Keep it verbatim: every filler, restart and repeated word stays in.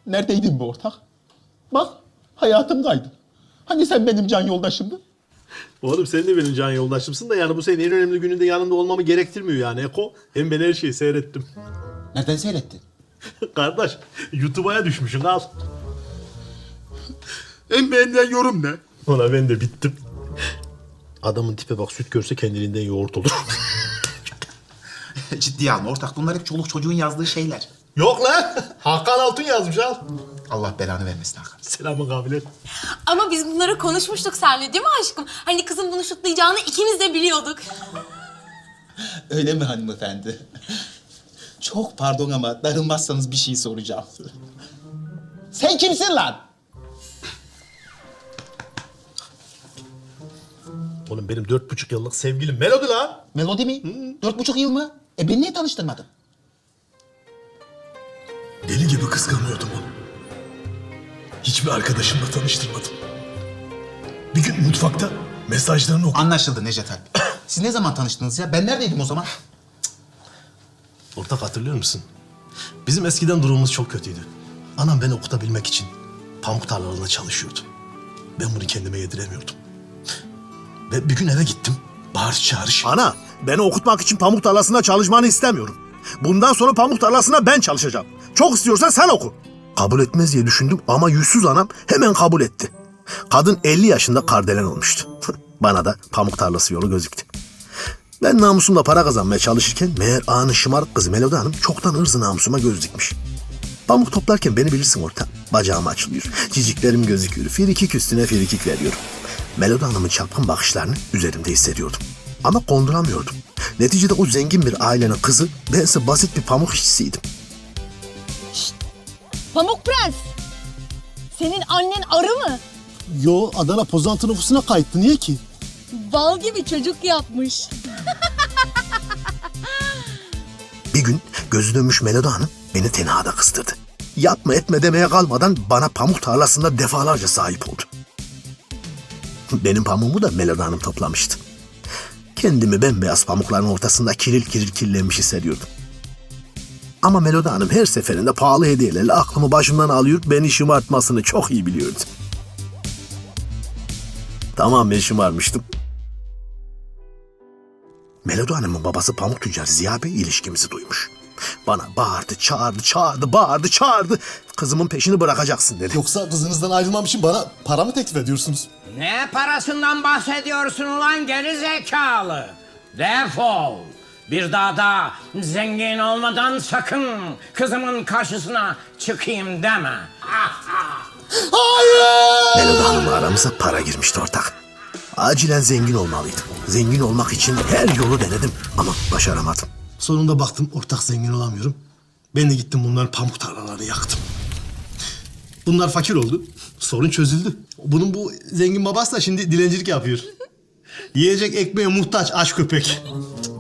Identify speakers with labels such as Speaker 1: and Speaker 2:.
Speaker 1: Neredeydin bu ortak? Bak, hayatım kaydı. Hani sen benim can yoldaşımdın?
Speaker 2: Oğlum sen de benim can yoldaşımsın da yani bu senin en önemli gününde yanımda olmamı gerektirmiyor yani Eko. Hem ben her şeyi seyrettim.
Speaker 1: Nereden seyrettin?
Speaker 2: Kardeş YouTube'a düşmüşsün al.
Speaker 1: En beğenilen yorum ne?
Speaker 2: Ona ben de bittim. Adamın tipe bak, süt görse kendiliğinden yoğurt olur.
Speaker 1: Ciddiye alma ortak. Bunlar hep çoluk çocuğun yazdığı şeyler.
Speaker 2: Yok lan. Hakan Altun yazmış al.
Speaker 1: Allah belanı vermesin Hakan.
Speaker 2: Selamın kabilet.
Speaker 3: Ama biz bunları konuşmuştuk seninle değil mi aşkım? Hani kızın bunu şutlayacağını ikimiz de biliyorduk.
Speaker 1: Öyle mi hanımefendi? Çok pardon ama darılmazsanız bir şey soracağım. Sen kimsin lan?
Speaker 2: Oğlum benim dört buçuk yıllık sevgilim Melodi lan.
Speaker 1: Melodi mi? Dört buçuk yıl mı? E beni niye tanıştırmadın?
Speaker 2: Deli gibi kıskanıyordum onu. Hiçbir arkadaşımla tanıştırmadım. Bir gün mutfakta mesajlarını okudum.
Speaker 1: Anlaşıldı Necdet Alp. Siz ne zaman tanıştınız ya? Ben neredeydim o zaman?
Speaker 2: Ortak hatırlıyor musun? Bizim eskiden durumumuz çok kötüydü. Anam beni okutabilmek için pamuk tarlalarında çalışıyordu. Ben bunu kendime yediremiyordum. Ve bir gün eve gittim. Bağırış çağırış. Ana, beni okutmak için pamuk tarlasında çalışmanı istemiyorum. Bundan sonra pamuk tarlasına ben çalışacağım. Çok istiyorsan sen oku. Kabul etmez diye düşündüm ama yüzsüz anam hemen kabul etti. Kadın elli yaşında kardelen olmuştu. Bana da pamuk tarlası yolu gözüktü. Ben namusumla para kazanmaya çalışırken meğer ağanın şımarık kızı Melodi Hanım çoktan ırzı namusuma göz dikmiş. Pamuk toplarken beni bilirsin ortam. Bacağım açılıyor, ciciklerim gözüküyor, firikik üstüne firikik veriyorum. Melodi Hanım'ın çapkın bakışlarını üzerimde hissediyordum. Ama konduramıyordum. Neticede o zengin bir ailenin kızı, bense basit bir pamuk işçisiydim.
Speaker 3: Pamuk Prens. Senin annen arı mı?
Speaker 2: Yo, Adana Pozantı nüfusuna kayıttı. Niye ki?
Speaker 3: Bal gibi çocuk yapmış.
Speaker 2: Bir gün gözü dönmüş Melodi Hanım beni tenhada kıstırdı. Yapma etme demeye kalmadan bana pamuk tarlasında defalarca sahip oldu. Benim pamuğumu da Melodi Hanım toplamıştı. Kendimi bembeyaz pamukların ortasında kiril kiril kirlenmiş hissediyordum. Ama Melodi Hanım her seferinde pahalı hediyelerle aklımı başımdan alıyor, beni şımartmasını çok iyi biliyordu. Tamam, ben şımarmıştım. Melodi Hanım'ın babası pamuk tüccarı Ziya Bey ilişkimizi duymuş. Bana bağırdı, çağırdı, çağırdı, bağırdı, çağırdı. Kızımın peşini bırakacaksın dedi.
Speaker 4: Yoksa kızınızdan ayrılmam için bana para mı teklif ediyorsunuz?
Speaker 5: Ne parasından bahsediyorsun ulan geri zekalı? Defol. Bir daha da zengin olmadan sakın kızımın karşısına çıkayım deme.
Speaker 2: Melodi Hanım'la aramıza para girmişti ortak. Acilen zengin olmalıydım. Zengin olmak için her yolu denedim ama başaramadım. Sonunda baktım ortak zengin olamıyorum. Ben de gittim bunların pamuk tarlalarını yaktım. Bunlar fakir oldu. Sorun çözüldü. Bunun bu zengin babası da şimdi dilencilik yapıyor. Yiyecek ekmeğe muhtaç aç köpek.